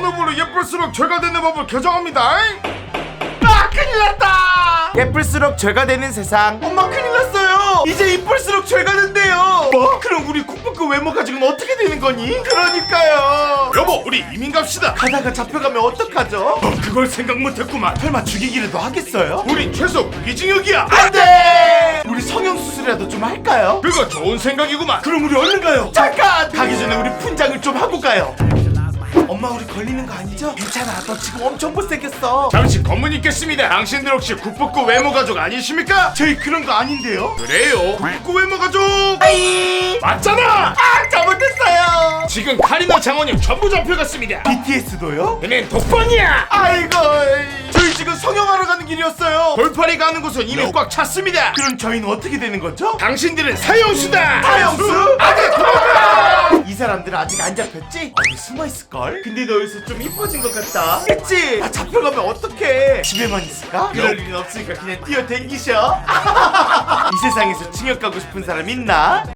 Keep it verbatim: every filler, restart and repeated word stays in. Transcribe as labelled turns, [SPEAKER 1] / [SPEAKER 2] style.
[SPEAKER 1] 오늘부로 예쁠수록 죄가 되는 법을 개정합니다.
[SPEAKER 2] 아 큰일 났다. 예쁠수록 죄가 되는 세상. 엄마 큰일 났어요. 이제 이쁠수록 죄가 된대요. 뭐? 그럼 우리 국밥그 외모 가지고는 어떻게 되는 거니? 그러니까요.
[SPEAKER 1] 여보, 우리 이민 갑시다.
[SPEAKER 2] 가다가 잡혀가면 어떡하죠?
[SPEAKER 1] 어, 그걸 생각 못했구만.
[SPEAKER 2] 설마 죽이기라도 하겠어요?
[SPEAKER 1] 우리 최소 무기징역이야.
[SPEAKER 2] 안돼. 우리 성형수술이라도 좀 할까요?
[SPEAKER 1] 그거 좋은 생각이구만.
[SPEAKER 2] 그럼 우리 얼른 가요. 잠깐! 가기 전에 우리 분장을 좀 하고 가요. 엄마 우리 걸리는 거 아니죠? 괜찮아. 너 지금 엄청 못생겼어.
[SPEAKER 1] 잠시 검문 있겠습니다. 당신들 혹시 국밥구 외모 가족 아니십니까?
[SPEAKER 2] 저희 그런 거 아닌데요?
[SPEAKER 1] 그래요. 국밥구 외모 가족
[SPEAKER 2] 아이!
[SPEAKER 1] 맞잖아.
[SPEAKER 2] 아 잘못했어요.
[SPEAKER 1] 지금 카리나 장원영 전부 잡혀갔습니다.
[SPEAKER 2] 비티에스도요?
[SPEAKER 1] 얘는 독번이야.
[SPEAKER 2] 아이고 저희 지금 성형하러 가는 길이었어요.
[SPEAKER 1] 돌팔이 가는 곳은 이미 꽉 찼습니다.
[SPEAKER 2] 그럼 저희는 어떻게 되는 거죠?
[SPEAKER 1] 당신들은 사형수다.
[SPEAKER 2] 사형수?
[SPEAKER 1] 아직 도망가.
[SPEAKER 2] 이 사람들은 아직 안 잡혔지? 어디 숨어있을걸? 근데 너 여기서 좀 이뻐진 것 같다. 그치? 나 잡혀가면 어떡해? 집에만 있을까? 그럴 일은 없으니까 그냥 뛰어댕기셔. 이 세상에서 징역 가고 싶은 사람 있나?